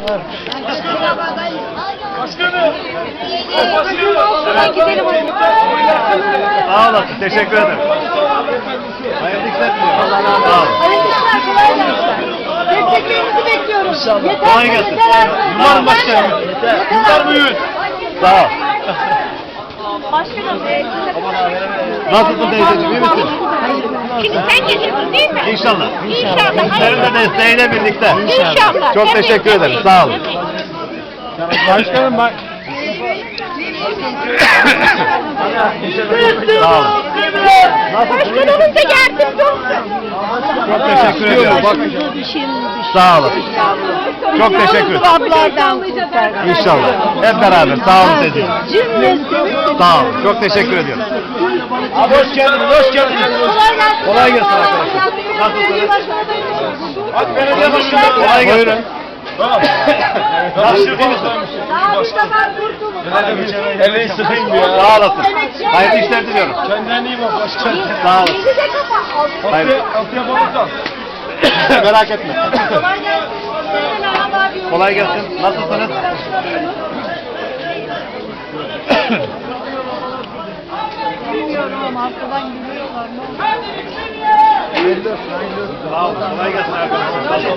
Sağ olasın, teşekkür ederim. Hayırlı işler diliyorum. Sağ olun. Hayırlı işler, kolay gelsin. Desteklerinizi bekliyoruz. Yeter Kolay gelsin. Umarım başkanım. Yıllar büyüğün. Sağ ol. Başkanım. Nasılsın teyzeciğim, iyi misin? Şimdi sen geliyorsun değil mi? İnşallah. İnşallah. Senin de desteğiyle birlikte. İnşallah. Çok teşekkür ederim, sağ olun. Başkanım bak. Sağ olun. Başkanımız da yardımcı olsun. Çok teşekkür ediyorum. Sağ olun. Çok teşekkür ederim. Ablardan kurtar. İnşallah. Hep beraber. Sağ olun teyzeciğim. Cümlesi. Sağ olun. Çok teşekkür ediyorum. Abi hoş geldiniz, hoş geldiniz. Kolay gelsin arkadaşlar. Nasılsınız? Hadi belediye başkanı. Kolay gelsin. Nasılsın, iyi misin? Elini sıkayım ya. Sağ olasın. Hayırlı işler diliyorum. Kendine iyi bak başkanım. Sağ olun. Hayır. Merak etme. Kolay gelsin. Nasılsınız? Bilmiyorum ama arkadan gülüyorlar. Sağ olun. Kolay gelsin arkadaşlar.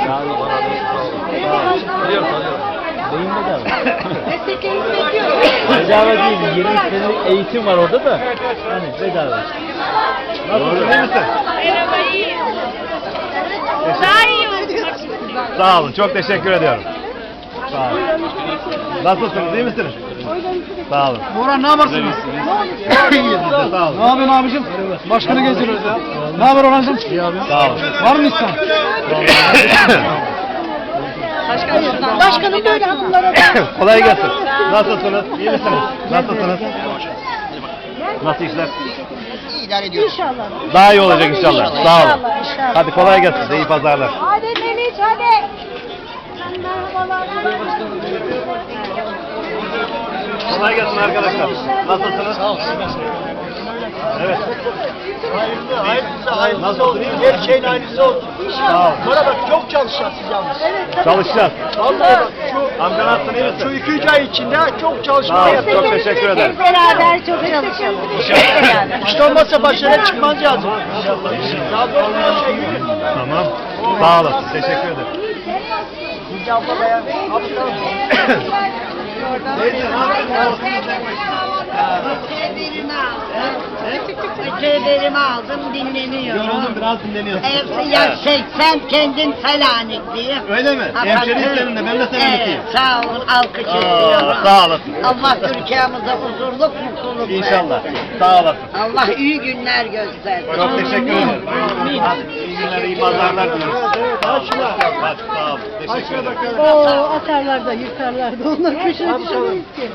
Desteklerinizi bekliyoruz. Bedava değil, 20 senelik eğitim var orada da. Hani bedava. Nasılsın, iyi misin? Merhaba, iyiyim. Daha iyi olacak. Sağ olun. Çok teşekkür ediyorum. Sağ olun. Nasılsınız, iyi misiniz? Sağ olun. Orhan ne yaparsınız? İyiyiz biz de, sağ olun. Ne yapıyorsun abicim? Başkanı gezdiriyoruz ya. Ne haber Orhan'cığım? İyi abi. Sağ olun. Var mı insan? Başkanım böyle hanımlara Kolay gelsin. Nasılsınız? İyi misiniz? Nasılsınız? Nasıl işler? İnşallah. Daha iyi olacak inşallah. Sağ olun. İnşallah. Hadi kolay gelsin. Size iyi pazarlar. Hadi Meliç hadi. Merhabalar. Kolay gelsin arkadaşlar. Nasılsınız? Sağ olun. Evet. Hayırlısı olsun. Her şeyin aynısı olsun. Sağ olun. Bana bak çok çalışacağız siz yalnız. Çalışacağız. Vallahi bak Amca nasılsın, iyi şu misin? 2-3 ay içinde çok çalışma Sağ olun. yapacağız. Çok teşekkür ederim. Hep beraber çok çalışalım. İşte olmazsa başarıya çıkmaz lazım. Tamam. Sağ olasın. Teşekkür ederim. Şimdi abla dayan. Öteberimi aldım, dinleniyorum. Yoruldum, biraz dinleniyorsun. Ya sen kendin Selanikli'yim. Öyle mi? Hemşeriyiz seninle. Ben de Selanik'liyim. Evet, sağ olun, alkış ediyorum. Sağ olasın. Allah Türkiye'mize huzurluk, mutluluk İnşallah. versin. Sağ olasın. Allah iyi günler göstersin. Çok teşekkür ederim. Hadi iyi günler, iyi pazarlar dileriz. Hadi sağ olun. Teşekkür ederim. Oo, atarlar da yırtarlar da onlar köşeye düşemeyiz ki.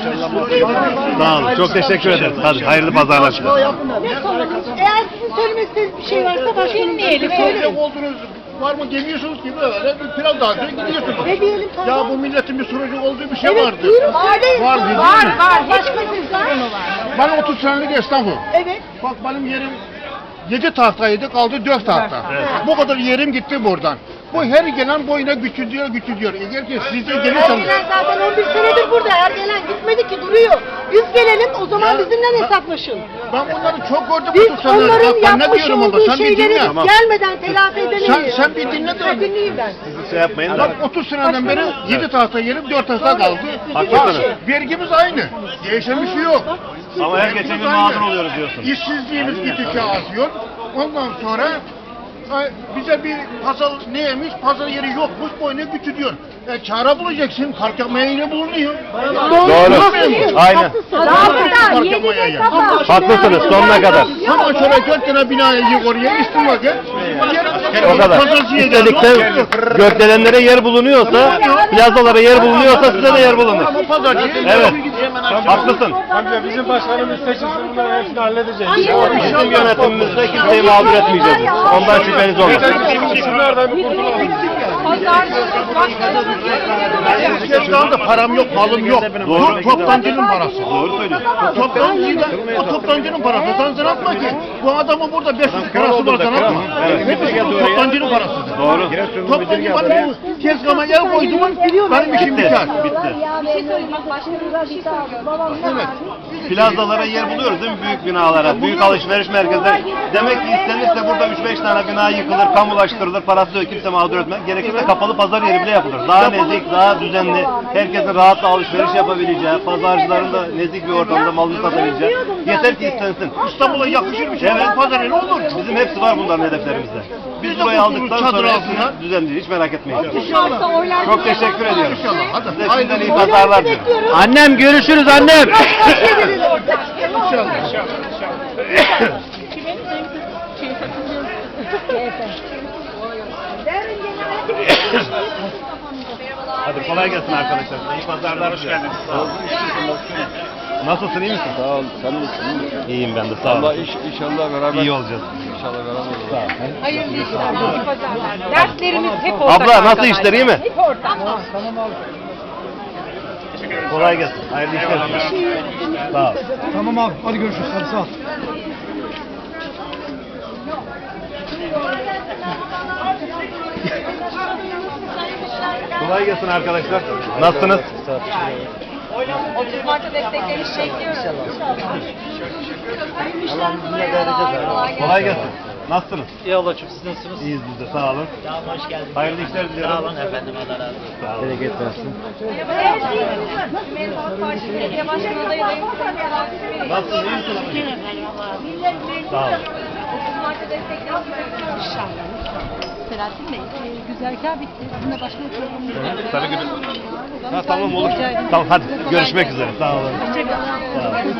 Sağ olun. Çok teşekkür ederim. Hadi hayırlı pazarlar. Ne konumuz? Eğer sizin söylemek istediğiniz bir şey varsa başkanım diyelim. Söyle olduğunuz var mı demiyorsunuz ki böyle bir plan dağıtıyor gidiyorsunuz. Ne diyelim tamam. Ya bu milletin bir sorunu olduğu bir şey Evet, vardı. buyurun. Var değil mi? Var, değil mi? Var. Başka bir sorunu var. Ben 30 senelik esnafım. Evet. Bak benim yerim 7 tahtaydı, kaldı 4 tahta. Bu kadar yerim gitti buradan. Bu her gelen boyuna küçülüyor. Eğer ki siz de Her gelirseniz... gelen zaten 11 senedir burada. Her gelen gitmedi ki duruyor. Biz gelelim o zaman bizimle hesaplaşın. Ben bunları çok gördüm Biz 30 senedir. onların Bak ben ne yapmış diyorum ama olduğu sen bir şeyleri dinle. gelmeden telafi edemeyiz. Sen bir dinle de. Dinleyeyim ben. Şey yapmayın da. Bak 30 seneden beri 7 tahta yerim 4 tahta kaldı. Haklısınız. Vergimiz aynı. Değişen bir şey yok. Ama her geçen gün mağdur oluyoruz diyorsun. İşsizliğimiz gittikçe artıyor. Ondan sonra bize bir pazar neymiş? Pazar yeri yokmuş, boyuna küçülüyor. Çare bulacaksın, park yapmaya yine bulunuyor. Doğru. Aynen. Daha 7'de kapat. Haklısınız sonuna kadar. Hemen şöyle 4 tane binaya yık oraya, istim vakit. O kadar. İstedikte gökdelenlere yer bulunuyorsa, plazalara yer bulunuyorsa size de yer bulunur. Ama pazarcı. Evet. Haklısın. Amca bizim başkanımız seçilsin, bunların hepsini halledeceğiz. Bizim yönetimimizde kimseyi mağdur etmeyeceğiz. Ondan şüpheniz olmasın. Şunlardan bir kurtulalım. Pazarcı başkanımız şu anda param yok, malım yok. Doğru. Toptancının parası. Doğru söylüyorsun. O toptancının parası. Sen sanatma ki. Bu adamın burada 500 parası var sanatma. Hepsi bu toptancının parası. Doğru. Toptancı bana bu tezgahıma yer koydu mu benim işim biter. Bitti. Bir şey söyleyeyim bak başkanım bir şey söylüyor. Evet. Plazalara yer buluyoruz değil mi? Büyük binalara, büyük alışveriş merkezleri. Demek ki istenirse burada 3-5 tane bina yıkılır, kamulaştırılır, parası yok, kimse mağdur etmez. Gerekirse kapalı pazar yeri bile yapılır. Daha nezik, daha düzenli, herkesin rahatla alışveriş yapabileceği, pazarcıların da nezik bir ortamda malını satabileceği. Yeter ki istensin. İstanbul'a yakışır bir şey. Evet. Pazar yeri olur. Bizim hepsi var bunların hedeflerimizde. Biz Biz de burayı kurtuluruz aldıktan çadır sonra altında. hepsini düzenleyeceğiz. Hiç merak etmeyin. İnşallah. Çok teşekkür ediyorum. İnşallah. Hadi. Size şimdiden iyi pazarlar diliyorum. Bekliyoruz. Annem görüşürüz annem. İnşallah. Hadi kolay gelsin arkadaşlar. İyi pazarlar. Hoş geldiniz. Sağ olun. Nasılsın, iyi misin? Sağ ol, sen nasılsın? İyiyim ben de, sağ olun. Allah inşallah beraber. İyi olacağız. İnşallah beraber olacağız. Hayırlı işler, iyi pazarlar. Derslerimiz hep ortak. Abla nasıl arkadaşlar. işler, iyi mi? Hep ortak. Kolay gelsin. Hayırlı işler diliyorum. Sağ ol. Tamam abi, hadi görüşürüz. Hadi sağ ol. Kolay gelsin arkadaşlar. Nasılsınız? 30 Mart'ta desteklerinizi bekliyoruz. Kolay gelsin. Nasılsınız? İyi ablacığım siz nasılsınız? İyiyiz biz de, sağ olun. Tamam hoş geldiniz. Hayırlı işler diliyorum. Sağ olun efendim Allah razı olsun. Sağ olun. Bereket versin. Cumhuriyet Halk Partisi Belediye Başkanı adayı Nasılsın, iyi misin? Sağ olun. 30 Mart'ta desteklerinizi bekliyoruz. Selahattin Bey, güzergah bitti. Sizinle başka bir programımız var. Sarıgül. Ha, tamam olur. Tamam hadi görüşmek üzere. Sağ olun. Sağ olun.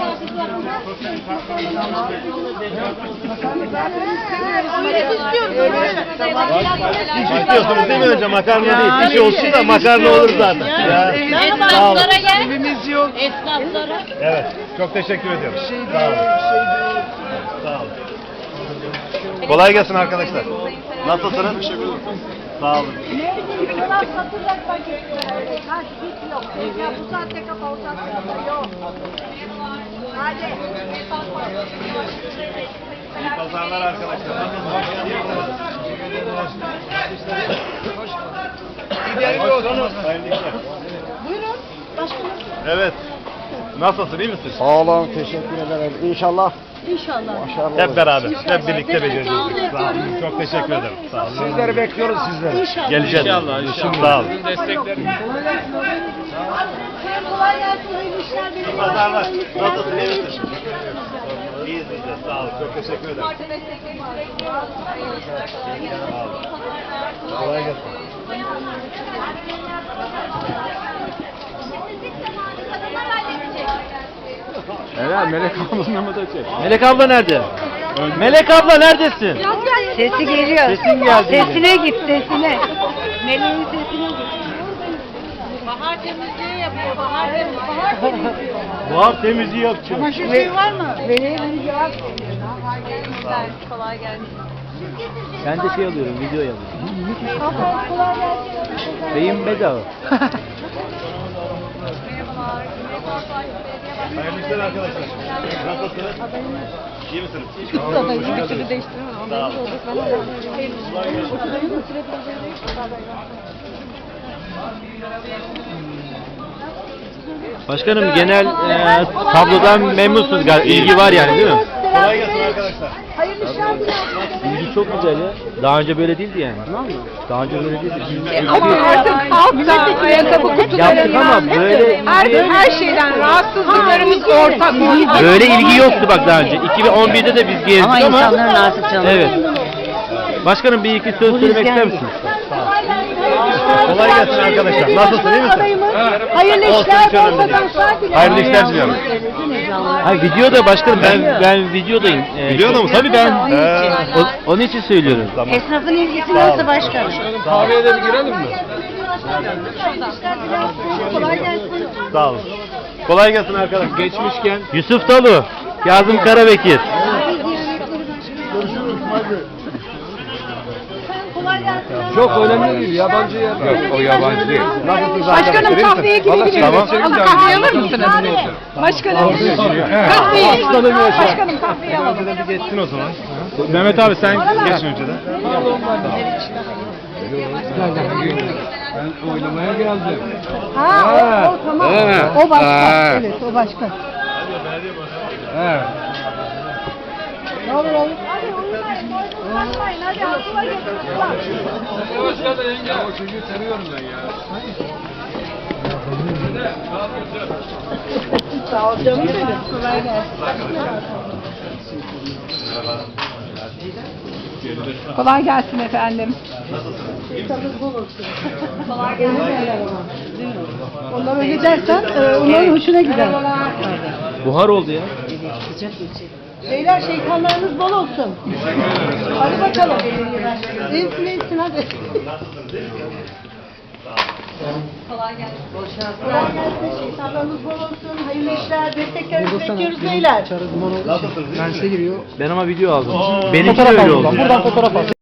İstiyorsunuz değil mi önce makarna değil. Bir şey olsun da makarna olur zaten. Ya. Sağ olun. Esnaflara. Evet. Çok teşekkür ediyorum. Sağ olun. Sağ olun. Kolay gelsin arkadaşlar. Nasılsınız? Sağ olun. Bu saatte kapalı, o saatte kapalı. Yok. İyi pazarlar arkadaşlar. Hayırlı işler. Buyurun. Başkanım. Evet. Nasılsın, iyi misin? Sağ olun, teşekkür ederim. İnşallah. İnşallah. Hep beraber, hep birlikte becereceğiz. Sağ olun. Çok teşekkür ederim. Sağ olun. Sizleri bekliyoruz sizleri. İnşallah. Geleceğiz. Sağ olun. Kolay gelsin. Hayırlı işler. İyi pazarlar. Nasılsın, iyi misin? İyiyiz biz de. Sağ olun. Çok teşekkür ederim. Mart'ta desteklerinizi bekliyoruz. Hayırlı işler, kolay gelsin. İyi pazarlar. Kolay gelsin. Evet, Melek ablanın mı da çek? Melek abla nerede? Melek abla neredesin? Sesi geliyor. Sesin geldi. Sesine git sesine. Meleğin sesine git. Bahar temizliği yapıyor, bahar temizliği. Buhar temizliği yapacağım. var mı? Hayırlı işler, kolay gelsin. Ben de şey alıyorum, video alıyorum. Beyim bedava. Merhabalar. Cumhuriyet Halk Partisi Belediye Başkanı. Hayırlı işler arkadaşlar. Nasılsınız? İyi misiniz? Sağ olun. Başkanım genel tablodan memnunsunuz galiba. İlgi var yani değil mi? Kolay gelsin arkadaşlar. Hayırlı işler dilerim. İlgi çok güzel ya. Daha önce böyle değildi yani. Daha önce böyle değildi. Ama artık halkta ayakkabı kutuları Yaptık ama böyle her şeyden rahatsızlıklarımız ortak. böyle ilgi yoktu bak daha önce. 2011'de de biz gezdik ama artık evet. Başkanım bir iki söz söylemek ister misiniz? Kolay gelsin arkadaşlar. Nasılsın, iyi misin? Hayırlı Olsun, işler. hiç önemli Bol değil. kazançlar dilerim. Hayırlı işler diliyorum. Ha videoda başkanım ben videodayım. Videoda mısın? Tabii ben. He. Onun için söylüyorum. Tamam. Esnafın ilgisi nasıl başkanım? Kahveye de bir girelim mi? Kolay gelsin. Sağ olun. Kolay gelsin arkadaşlar. Geçmişken Yusuf Talu, Kazım Karabekir. Kolay gelsin. Çok önemli değil, yabancı yer. Yok, o yabancı değil. Başkanım kahveye gidebilir Tamam. miyim? Kahve alır mısınız? Başkanım. Kahveyi. Başkanım kahveyi alalım. Geçsin o zaman. Mehmet abi sen geç önceden. Ben oylamaya geldim. Ha, o tamam. O başka. Evet, o başka. Evet. Ne olur oğlum? O çocuğu seviyorum ben ya. Sağ ol canım benim. Kolay gelsin. Kolay gelsin efendim. Onlar öyle dersen onların hoşuna gider. Buhar oldu ya. Beyler şeytanlarınız bol olsun. Hadi bakalım. İyisin iyisin hadi. Kolay gelsin. Şeytanlarınız bol olsun. Hayırlı işler. Desteklerinizi bekliyoruz beyler. Ben ama video aldım. Benimki de öyle oldu. Buradan fotoğraf al.